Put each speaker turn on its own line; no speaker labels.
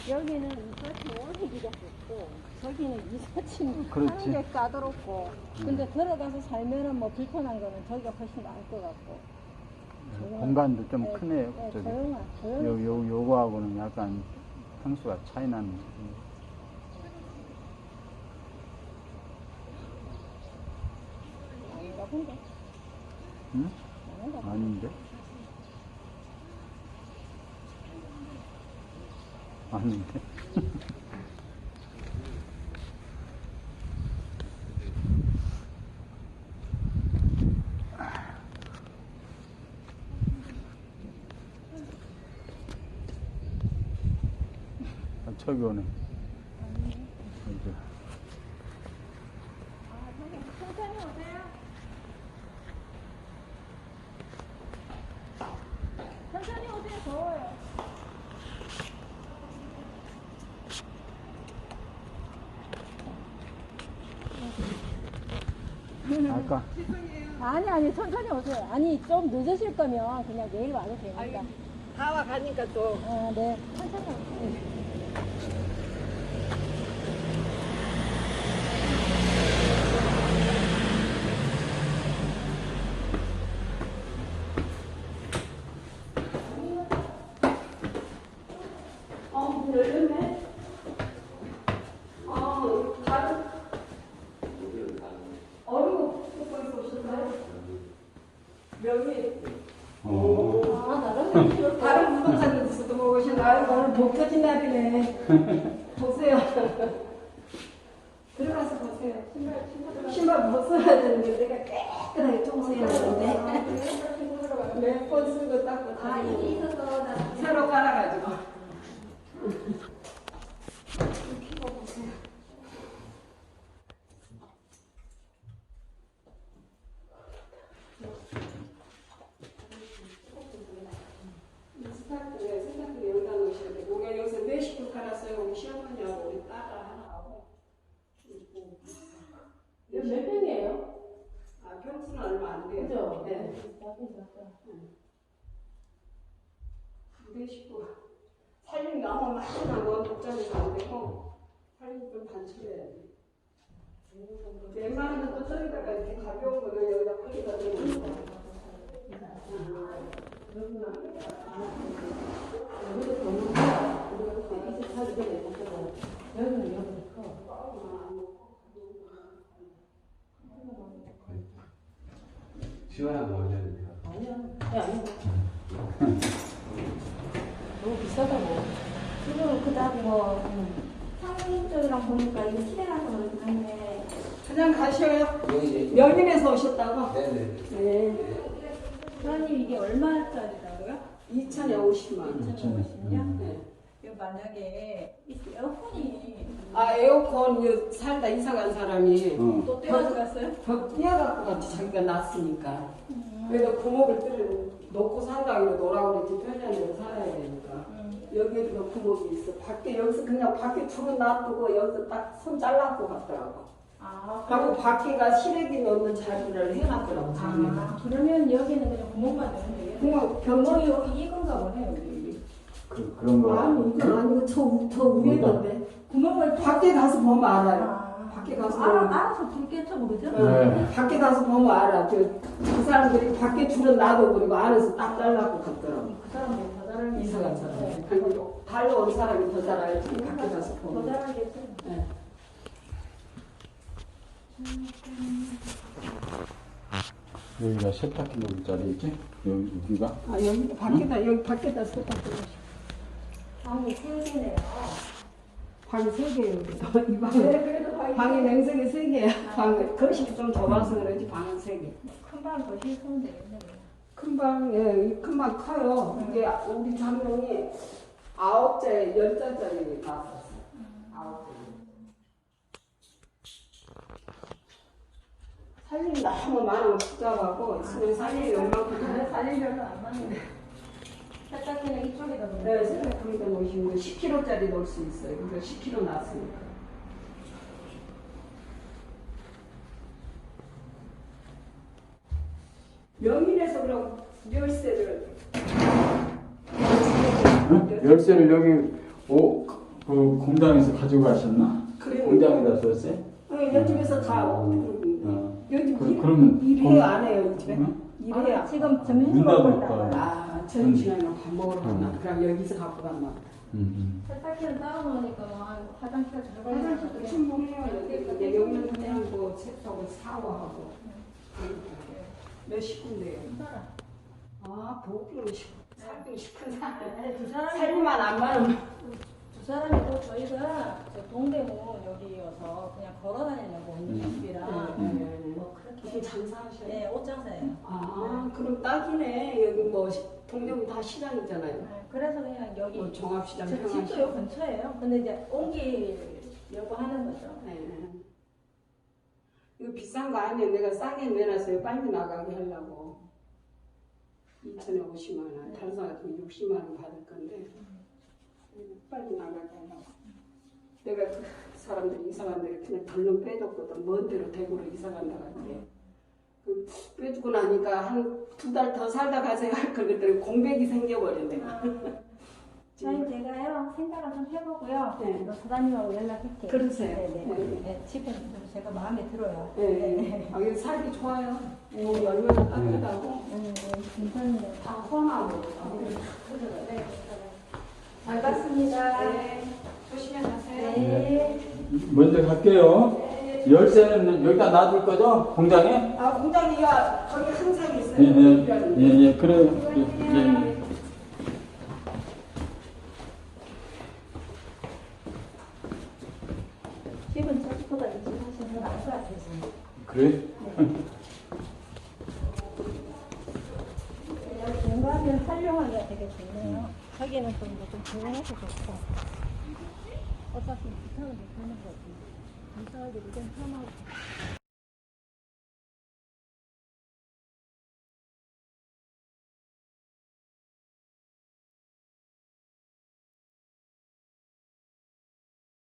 여기는 이삿짐 올리기가 좋고 저기는 이삿짐
그렇지.
하는 게 까다롭고 근데 들어가서 살면은 뭐 불편한 거는 저기가 훨씬 나을 것 같고
공간도 좀
네,
크네요.
네,
저기.
조용한
요거하고는 약간 평수가 차이 나는.
아닌가 본데.
응?
아닌가 본데.
아닌데? 아닌데? 아, 저기 오네. 여기.
천천히 오세요. 천천히 오세요. 더워요.
아까
아니 천천히 오세요. 아니 좀 늦으실 거면 그냥 내일 와도 되니까.
다 와가니까 또
네 천천히 오세요.
열렸네. 다른 어리고 듣고 있었어요. 명이 다른 부동산에서도 오시나요? 오늘 복 터진 날이네. 보세요. 들어가서 보세요. 신발 벗어야 되는데 내가 깨끗하게 청소해야 되는데 몇 번 쓰고 닦고 다 이게 있어서 새로 갈아가지고. 세탁기를 여기다 놓으셔야 돼. 우리가 여기서 몇 식구 갈았어요? 우리 시어머니하고 우리 딸 하나하고. 몇 평이에요? 아, 평수는 얼마 안 돼요. 그죠? 네. 몇 식구. 살림이 너무 많이 나고 복잡해서 안 되고 살림 좀 단축해야 돼. 웬만하면 또 저기다가 이렇게 가벼운 거를 여기다 뿌리다 대고
시원한 거 올려야 돼요.
너무 비싸다고. 지금 그다음 상인 쪽이랑 보니까 이거 시대라서 그렇긴 한데.
그냥 가셔요.
여기
명인에서 오셨다고?
네네.
네.
사장님 이게 얼마짜리라고요?
2,050만.
2,050년?
네.
이거 만약에 이 에어컨이
아, 에어컨 이거 살다 이사 간 사람이
또 떼어들었어요?
벽 뛰어갖고 같이 자기가 났으니까. 그래서 구멍을 놓고 산다고 노라고 그랬지 편리한 데로 살아야 되니까. 여기에도 구멍이 있어. 밖에 여기서 그냥 밖에 불은 놔두고 여기서 딱 손 잘라고 갔더라고.
아,
하고 밖에가 시래기 넣는 자리를 해놨더라고. 자기가.
그러면 여기는 그냥 구멍만 넣으면 되겠네.
그냥 변동이
여기 이건가 보네 여기.
그런 거.
아니 이건 아니고 저 위에던데.
구멍을
밖에 가서 보면 알아요. 밖에 가서 보면.
알아서 불 깨쳐 모르죠?
네.
밖에 가서 보면 알아. 그 사람들이 밖에 줄은 놔둬버리고 안에서 딱 잘라고 갔더라고.
그 사람들이 더 잘하는
이사 간 사람이. 그리고 달로 온 사람이 더 잘 알지. 밖에 가서
더
보면.
잘하겠죠.
네.
여기가 세탁기 놓을 자리지? 여기가?
아, 여기 밖에다, 여기 밖에다 세탁기.
방이 세 개네요.
방이 3개예요, 여기서. 이 방에.
그래도
방이 냉석이 3개야. 방, 거실이 좀 좁아서 그런지 방은 3개.
큰방 더 실수면 되겠네.
큰 방, 예, 이 큰 방 커요. 이게 우리 장롱이 9째, 10자짜리 나왔었어요. 9째. 살림이 너무 많으면 복잡하고, 있으면 살림이 얼마큼
살림 별로 안 맞는데. 세탁기는 이쪽에다 놓는
네, 생각보다 놓으시면 10kg짜리 넣을 수 있어요. 그러니까 10kg 나왔으니까. 명인에서 그럼 열쇠를
열쇠를 여기 그 공장에서 가지고 가셨나?
그래요.
공장에다 썼어요?
요즘에서 다 요즘
그러면
일해요 안 해요 이 집에?
응?
일해요.
지금 점심
문
먹고
닫을
있다가
거야.
아 점심시간에 밥 먹으러 갔나? 그럼 여기서 갖고 갔나?
세탁기는 따로 놓으니까 뭐 화장실 들어가야
화장실도 충분해요. 여기 여기는 그냥 뭐 세탁하고 샤워하고 몇 식구인데요? 아 보기는 살기 싶은 사람
두 사람이
살기만 안 많으면
두 사람이고 저희가 저 동대문 여기여서 그냥 걸어다니려고 있는 집이라 뭐 그렇게
무슨 장사하셔요?
네, 옷 장사예요.
아 그럼 딱이네. 여기 뭐 동대문 다 시장이잖아요.
네, 그래서 그냥 여기
뭐 종합시장,
저 집도
평화시장.
요 근처예요. 근데 이제 옮기려고 하는 거죠.
네. 이거 비싼 거 아니에요. 내가 싸게 내놨어요. 빨리 나가게 하려고. 2천에 50만 원, 다른 사람 같으면 60만 원 받을 건데 빨리 나가게 하려고. 내가 그 사람들이 이사간 데를 그냥 덜렁 빼줬거든. 먼 데로 대구로 이사 간다고 할게. 그 빼주고 나니까 한 2달 더 살다 가세요 할 걸 그랬더니 공백이 생겨버렸네.
저희 제가요 생각을 좀 해보고요.
네.
또 사장님하고 연락할게요.
그러세요.
네네.
네.
네, 집에 제가 마음에 들어요.
네. 아, 여기 살기 좋아요. 여기 얼마나 따뜻하고.
괜찮은데.
다 호남으로.
네. 잘 봤습니다.
네. 조심히 가세요.
네.
먼저 갈게요. 열쇠는 여기다 놔둘 거죠? 공장에?
아, 공장이야. 거기 항상 있어요.
예, 그래요. 예.
집은 저기보다 일찍 하시는 게 나을 것 같아서.
그래?
공간을 활용하기가 되게 좋네요. 자기는 좀 조용해서 좋고. 어차피 부탁을 못 하는 거지. 이사하기 좀 편하고.